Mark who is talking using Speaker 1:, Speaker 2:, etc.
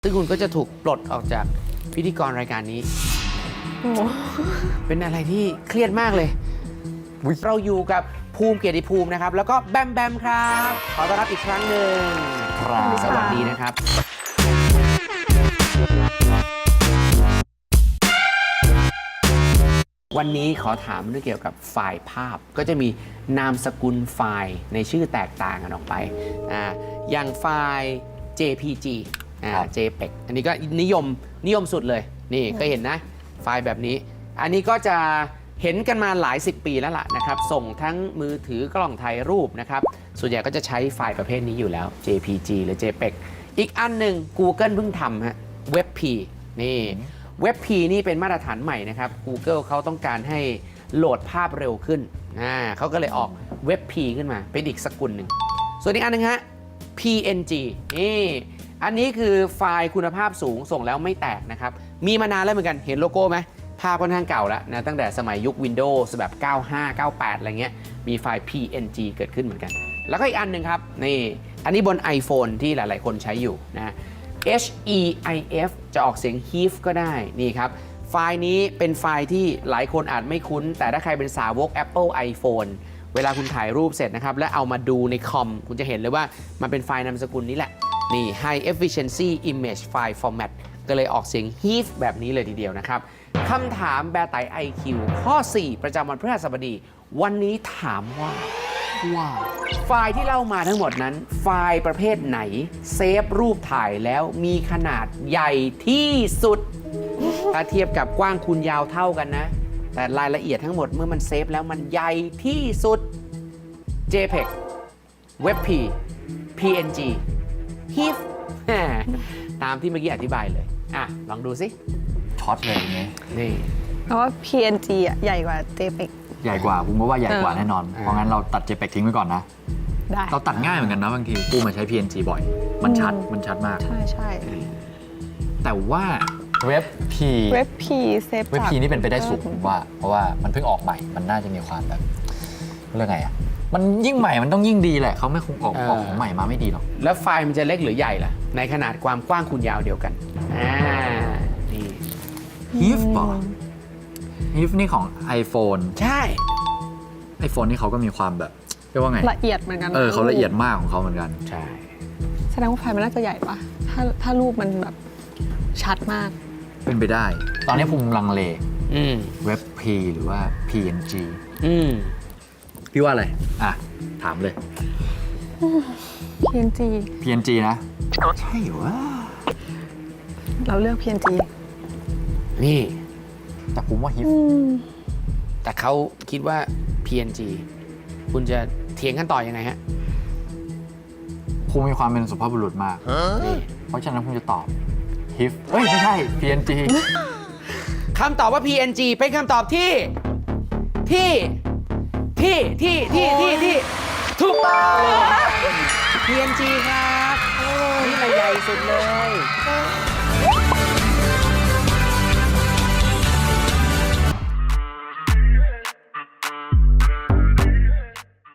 Speaker 1: ซึ่งคุณก็จะถูกปลดออกจากพิธีกรรายการนี้ เป็นอะไรที่เครียดมากเลย เราอยู่กับภูมิเกียรติภูมินะครับ แล้วก็แบมแบมครับ ขอต้อนรับอีกครั้งหนึ่ง
Speaker 2: ครับ
Speaker 1: สวัสดีนะครับ วันนี้ขอถามเรื่องเกี่ยวกับไฟล์ภาพ ก็จะมีนามสกุลไฟล์ในชื่อแตกต่างกันออกไปอย่างไฟล์ JPG JPEG อันนี้ก็นิยมสุดเลย นี่เคยเห็นนะ ไฟล์แบบนี้ อันนี้ก็จะเห็นกันมาหลาย10 ปีแล้วล่ะนะครับ ส่งทั้งมือถือกล้องถ่ายรูปนะครับ ส่วนใหญ่ก็จะใช้ไฟล์ประเภทนี้อยู่แล้ว JPG หรือ JPEG อีกอันหนึ่ง Google เพิ่งทำฮะ WebP นี่ WebP นี่เป็นมาตรฐานใหม่นะครับ Google เขาต้องการให้โหลดภาพเร็วขึ้นเขาก็เลยออก WebP ขึ้นมาเป็นอีกสกุลหนึ่งส่วนอีกอันหนึงฮะ PNG นี่อันนี้คือไฟล์คุณภาพสูงส่งแล้วไม่แตกนะครับมีมานานแล้วเหมือนกันเห็นโลโก้ไหมภาพค่อนข้างเก่าแล้วนะตั้งแต่สมัยยุค Windows แบบ 95 98 อะไรเงี้ยมีไฟล์ PNG เกิดขึ้นเหมือนกันแล้วก็อีกอันหนึ่งครับนี่อันนี้บน iPhone ที่หลายๆคนใช้อยู่นะ HEIF จะออกเสียง HEIF ก็ได้นี่ครับไฟล์นี้เป็นไฟล์ที่หลายคนอาจไม่คุ้นแต่ถ้าใครเป็นสาวก Apple iPhone เวลาคุณถ่ายรูปเสร็จนะครับและเอามาดูในคอมคุณจะเห็นเลยว่ามันเป็นไฟล์นามสกุลนี้แหละนี่ High Efficiency Image File Format ก็เลยออกเสียง HEIF แบบนี้เลยทีเดียวนะครับคำถามแบร์ไต IQ ข้อ 4 ประจำวันพฤหัสบดี วันนี้ถามว่าไฟล์ที่เล่ามาทั้งหมดนั้นไฟล์ประเภทไหนเซฟรูปถ่ายแล้วมีขนาดใหญ่ที่สุด ถ้าเทียบกับกว้างคูณยาวเท่ากันนะแต่รายละเอียดทั้งหมดเมื่อมันเซฟแล้วมันใหญ่ที่สุด JPEG WebP PNG HEIF ตามที่เมื่อกี้อธิบายเลยลองดูสิ
Speaker 2: ช็อตเลยอย่างงี้
Speaker 1: นี่
Speaker 3: เพราะว่า PNG อ่ะใหญ่กว่า JPEG
Speaker 2: ใหญ่กว่าผมก็ว่าใหญ่กว่าแน่นอน เพราะงั้นเราตัด JPEG ทิ้งไว้ก่อนนะ
Speaker 3: ได้
Speaker 2: เราตัดง่ายเหมือนกันนะบางทีกูมาใช้ PNG บ่อย มันชัดมาก
Speaker 3: ใช่
Speaker 2: แต่ว่าเว็บ P
Speaker 3: WebP เซฟ
Speaker 2: เว็บ P นี่เป็นไปได้สูงผมว่า เพราะว่ามันเพิ่งออกใหม่ มันน่าจะมีความแบบเรื่องไงอ่ะ มันยิ่งใหม่มันต้องยิ่งดีแหละเขาไม่คงออกของใหม่มาไม่ดีหรอก
Speaker 1: แล้วไฟล์มันจะเล็กหรือใหญ่ล่ะในขนาดความกว้างคูณยาวเดียวกันนี่
Speaker 2: HEIF ป่ะ HEIF นี่ของ iPhone
Speaker 1: ใช่
Speaker 2: iPhone นี่เขาก็มีความแบบเรียกว่าไง
Speaker 3: ละเอียดเหมือนกัน
Speaker 2: เขาละเอียดมากของเขาเหมือนกัน
Speaker 1: ใช่
Speaker 3: แสดงว่าไฟล์มันน่าจะใหญ่ปะถ้ารูปมันแบบชัดมาก
Speaker 2: เป็นไปได้ ตอนนี้ภูมิลังเล
Speaker 1: ม
Speaker 2: เว็บ P หรือว่า PNG พี่ว่าอะไรถามเลย
Speaker 3: PNG
Speaker 2: PNG นะใช่เหรอวะ
Speaker 3: เราเลือก PNG
Speaker 1: นี่
Speaker 2: แต่ผมว่า HEIF
Speaker 1: แต่เขาคิดว่า PNG คุณจะเถียงกันต่อยังไงฮะ
Speaker 2: ภูมิมีความเป็นสุภาพบุรุษมาก
Speaker 1: นี่
Speaker 2: เพราะฉะนั้นผมจะตอบ HEIF เฮ้ย ไม่ใช่ PNG
Speaker 1: คำตอบว่า PNG เป็นคำตอบที่ถูกต้อง PNG ครับนี่ละใหญ่สุดเลย